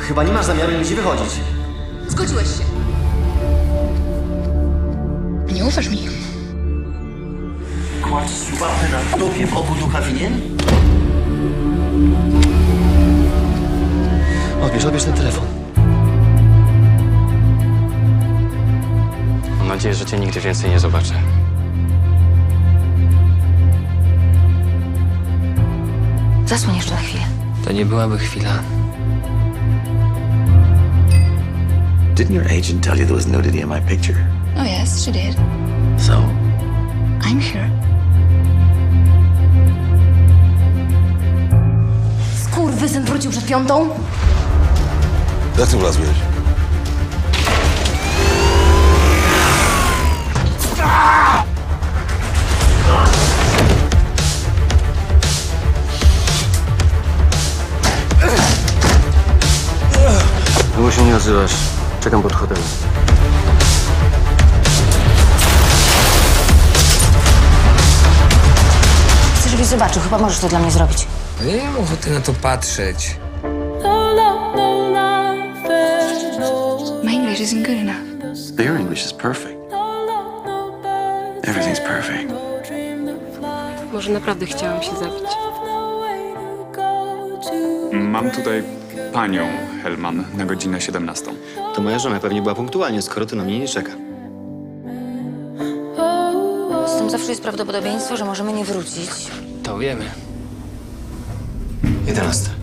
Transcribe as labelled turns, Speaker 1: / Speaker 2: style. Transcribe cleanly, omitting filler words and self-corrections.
Speaker 1: Chyba nie masz zamiaru nigdzie wychodzić.
Speaker 2: Zgodziłeś się. Nie ufasz mi.
Speaker 1: Kładź łapę na dupie w obu ducha winien? Odbierz ten telefon.
Speaker 3: Mam nadzieję, że cię nigdy więcej nie zobaczę.
Speaker 2: Zasłoń jeszcze na chwilę.
Speaker 3: To nie byłaby chwila.
Speaker 4: Didn't your agent tell you there was nudity in my picture?
Speaker 2: Oh yes, she did.
Speaker 4: So,
Speaker 2: I'm here. Skurwysyn wrócił przed 5:00?
Speaker 5: Jak ty wlazłeś?
Speaker 3: Długo się nie odzywasz. Czekam pod hotelem.
Speaker 2: Chcę, żebyś zobaczył. Chyba możesz to dla mnie zrobić.
Speaker 6: Ja nie mam ochoty na to patrzeć.
Speaker 2: My English isn't good enough.
Speaker 4: your English is perfect. Everything's perfect.
Speaker 7: Może naprawdę chciałam się zabić.
Speaker 8: Mam tutaj panią Hellman na godzinę 17.
Speaker 1: To moja żona pewnie była punktualnie, skoro ty na mnie nie czeka.
Speaker 2: Z tym zawsze jest prawdopodobieństwo, że możemy nie wrócić.
Speaker 3: To wiemy.
Speaker 1: 11.